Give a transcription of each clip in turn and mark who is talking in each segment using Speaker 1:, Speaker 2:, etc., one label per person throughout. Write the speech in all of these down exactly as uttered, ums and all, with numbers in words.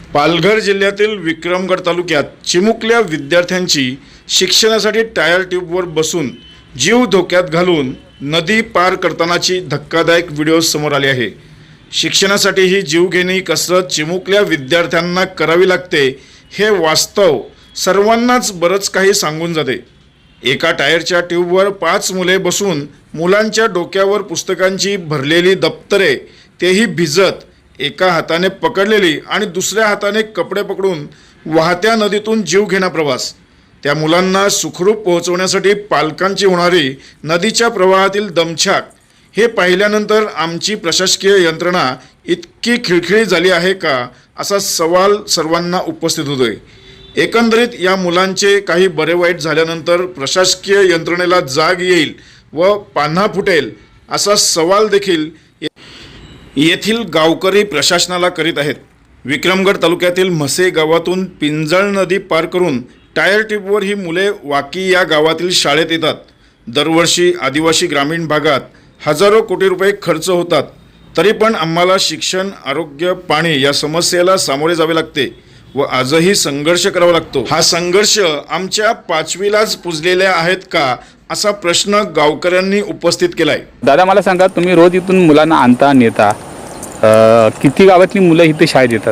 Speaker 1: पालघर जिल्ह्यातील विक्रमगड तालुक्यात चिमुकल्या विद्यार्थ्यांची शिक्षणासाठी टायर ट्यूबवर बसून जीव धोक्यात घालून नदी पार करतानाची धक्कादायक व्हिडिओ समोर आले आहे। शिक्षणासाठी ही जीवघेणी कसरत चिमुकल्या विद्यार्थ्यांना करावी लागते हे वास्तव सर्वांनाच बरंच काही सांगून जाते। एका टायरच्या ट्यूबवर पाच मुले बसून मुलांच्या डोक्यावर पुस्तकांची भरलेली दप्तरे, तेही भिजत, एका हाताने पकडलेली आणि दुसऱ्या हाताने कपडे पकडून वाहत्या नदीतून जीवघेणा प्रवास। त्या मुलांना सुखरूप पोहोचवण्यासाठी पालकांची होणारी नदीच्या प्रवाहातील दमछाक हे पाहिल्यानंतर आमची प्रशासकीय यंत्रणा इतकी खिळखिळी झाली आहे का असा सवाल सर्वांना उपस्थित होतोय। एकंदरीत या मुलांचे काही बरे वाईट झाल्यानंतर प्रशासकीय यंत्रणेला जाग येईल व पान्हा फुटेल असा सवाल देखील येथील गावकरी प्रशासनाला करीत आहेत। विक्रमगड तालुक्यातील म्हसे गावातून पिंजळ नदी पार करून टायर ट्यूबवर ही मुले वाकी या गावातील शाळेत येतात। दरवर्षी आदिवासी ग्रामीण भागात हजारो कोटी रुपये खर्च होतात, तरी पण आम्हाला शिक्षण, आरोग्य, पाणी या समस्येला सामोरे जावे लागते व आजही संघर्ष करावा लागतो। हा संघर्ष आमच्या पाचवीलाच पुजलेल्या आहेत का असा प्रश्न गावकऱ्यांनी उपस्थित केलाय।
Speaker 2: दादा मला सांगा, तुम्ही रोज इथून मुलांना आणता नेता, किती गावातली मुलं इथे शाळेत येतात?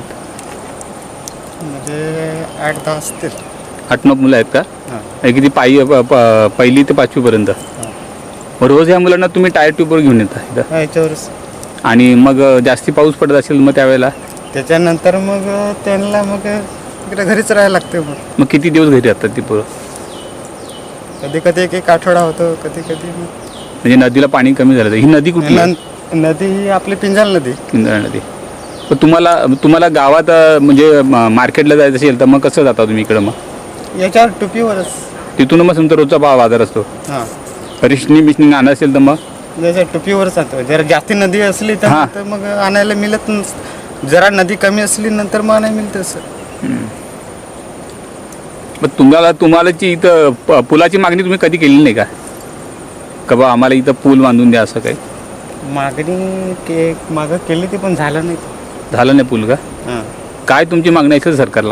Speaker 3: म्हणजे आठ दहा असतील।
Speaker 2: आठ नऊ मुलं आहेत का? किती पायी पहिली ते पाचवी पर्यंत? रोज ह्या मुलांना तुम्ही टायर ट्यूबवर घेऊन येता
Speaker 3: याच्यावरच?
Speaker 2: आणि मग जास्ती पाऊस पडत असेल मग त्यावेळेला
Speaker 3: त्याच्यानंतर मग त्यांना मग इकडे घरीच राहायला लागते। मग
Speaker 2: मग किती दिवस घरी राहतात ती पोरं?
Speaker 3: कधी कधी एक एक आठवडा होतो, कधी कधी
Speaker 2: म्हणजे नदीला पाणी कमी झालं। ही नदी कुठली?
Speaker 3: नदी ही आपली पिंजाल नदी।
Speaker 2: पिंजाळ नदी। पण तुम्हाला तुम्हाला गावात म्हणजे मार्केटला जायचं असेल तर मग कसं जाता तुम्ही इकडं? मग
Speaker 3: याच्यावर टुपीवरच
Speaker 2: तिथून मग तुमचा रोजचा भाव बाजार असतो?
Speaker 3: हां,
Speaker 2: रिशनी बिशनी आणा असेल तर मग
Speaker 3: त्याच्या टुपीवरच जातो। जर जास्ती नदी असली तर मग आणायला मिळत नसतं, जरा नदी कमी असली नंतर मग आणायला मिळतं असं।
Speaker 2: मग तुम्हाला तुम्हाला जी इथं पुलाची मागणी तुम्ही कधी केली नाही का? का बा आम्हाला इथं पूल बांधून द्या असं काही
Speaker 3: मागणी के मागं केली ती पण झालं नाही।
Speaker 2: झालं नाही पूल का?
Speaker 3: हां, काय
Speaker 2: तुमची मागणी आहे सरकारला?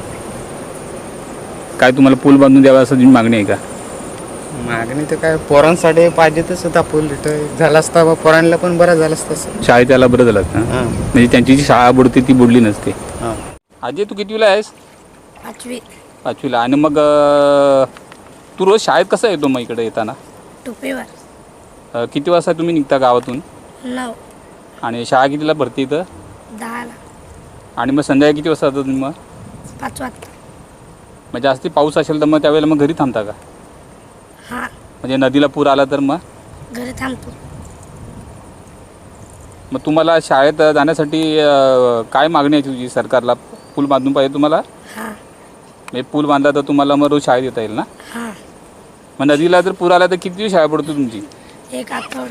Speaker 2: काय तुम्हाला पूल बांधून द्यावा असं तुमची मागणी आहे का?
Speaker 3: मागणी तर काय पोरांसाठी पाहिजेतच होता पूल, इथं झाला असता बा पोरांना पण बरं झालं असतं।
Speaker 2: शाळेत यायला बरं झालं असतं, म्हणजे त्यांची जी शाळा बुडते ती बुडली नसते।
Speaker 3: हां,
Speaker 2: अजय तू कितवीला आहेस?
Speaker 4: पाचवी
Speaker 2: पाचवीला। आणि मग तू रोज शाळेत कसं येतो मग इकडे येताना?
Speaker 4: टोपेवर।
Speaker 2: किती वाजता तुम्ही निघता गावातून?
Speaker 4: नऊ।
Speaker 2: आणि शाळा कितीला भरते इथं?
Speaker 4: दहाला।
Speaker 2: आणि मग संध्याकाळी किती वाजता जातो तुम्ही? मग
Speaker 4: पाच वाजता।
Speaker 2: मग जास्ती पाऊस असेल तर मग त्यावेळेला मग घरी थांबता का?
Speaker 4: हां,
Speaker 2: म्हणजे नदीला पूर आला तर मग
Speaker 4: घरी थांबतो।
Speaker 2: मग तुम्हाला शाळेत जाण्यासाठी काय मागणी आहे तुझी सरकारला? पूल बांधून पाहिजे तुम्हाला?
Speaker 4: हां,
Speaker 2: म्हणजे पूल बांधला तर तुम्हाला मग रोज शाळेत येता येईल ना?
Speaker 4: हां।
Speaker 2: मग नदीला जर पूर आला तर किती दिवस शाळा पडतो तुमची?
Speaker 4: एक आठवडा।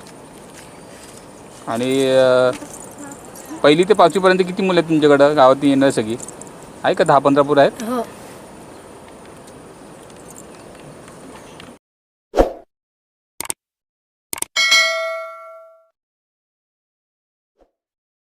Speaker 2: आणि पहिली ते पाचवीपर्यंत किती मुलं आहेत तुमच्याकडं गावात येणार? सगळी आहे का? दहा पंधरा पूर आहेत?
Speaker 4: हो।